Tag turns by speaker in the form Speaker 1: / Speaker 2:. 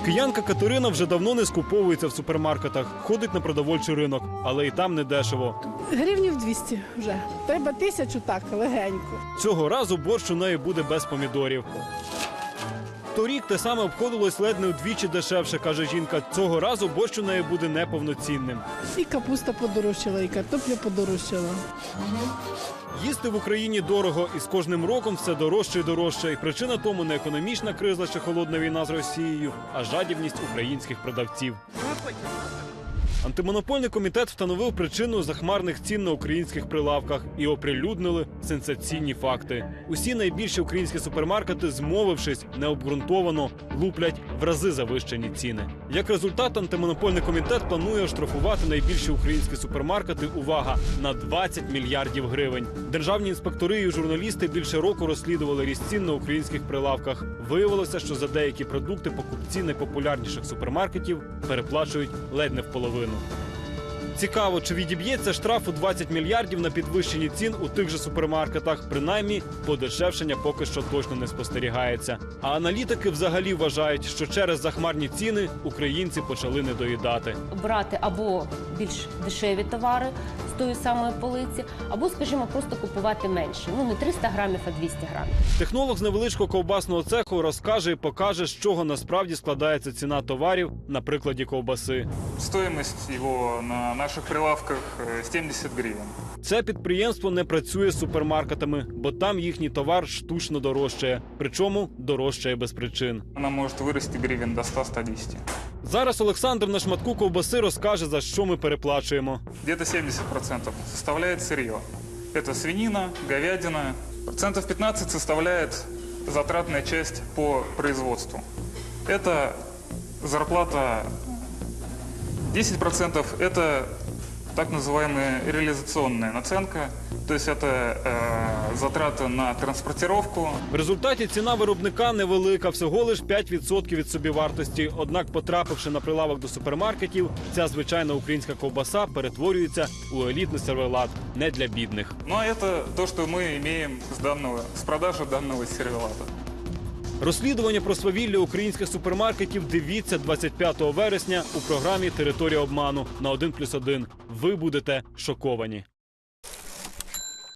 Speaker 1: Киянка Катерина вже давно не скуповується в супермаркетах, ходить на продовольчий ринок, але і там не дешево.
Speaker 2: Гривнів 200 вже. Треба 1000 так, легенько.
Speaker 1: Цього разу борщ у неї буде без помідорів. Торік те саме обходилось ледь не вдвічі дешевше, каже жінка. Цього разу борщ у неї буде неповноцінним.
Speaker 2: І капуста подорожчала, і картопля подорожчала.
Speaker 1: Їсти в Україні дорого, і з кожним роком все дорожче і дорожче. І причина тому не економічна криза чи холодна війна з Росією, а жадібність українських продавців. Антимонопольний комітет встановив причину захмарних цін на українських прилавках і оприлюднили сенсаційні факти. Усі найбільші українські супермаркети, змовившись, необґрунтовано луплять в рази завищені ціни. Як результат, антимонопольний комітет планує оштрафувати найбільші українські супермаркети, увага, на 20 мільярдів гривень. Державні інспектори і журналісти більше року розслідували ріст цін на українських прилавках. Виявилося, що за деякі продукти покупці найпопулярніших супермаркетів переплачують ледь не в половину. Цікаво, чи відіб'ється штраф у 20 мільярдів на підвищенні цін у тих же супермаркетах. Принаймні, подешевшення поки що точно не спостерігається. А аналітики взагалі вважають, що через захмарні ціни українці почали недоїдати.
Speaker 3: Брати або більш дешеві товари з тої самої полиці, або, скажімо, просто купувати менше. Не 300 грамів, а 200 грамів.
Speaker 1: Технолог з невеличкого ковбасного цеху розкаже і покаже, з чого насправді складається ціна товарів на прикладі ковбаси.
Speaker 4: Стоимость его на наших прилавках 70 гривен.
Speaker 1: Це підприємство не працює з супермаркетами, бо там їхній товар штучно дорожчає. Причому дорожчає без причин.
Speaker 4: Она может вырасти гривен до 100-110.
Speaker 1: Зараз Олександр на шматку ковбаси розкаже, за що ми переплачуємо.
Speaker 4: Где-то 70% составляет сырье. Это свинина, говядина. Процентов 15 составляет затратная часть по производству. Это зарплата 10% – это так называемая реализационная наценка, то есть это затраты на транспортировку.
Speaker 1: В результаті ціна виробника невелика, всього лиш 5% від собівартості. Однак, потрапивши на прилавок до супермаркетів, ця звичайна українська ковбаса перетворюється у елітний сервелат, не для бідних.
Speaker 4: Ну а это то, что мы имеем с продажи данного сервелата.
Speaker 1: Розслідування про свавілля українських супермаркетів дивіться 25 вересня у програмі «Територія обману» на 1+1. Ви будете шоковані.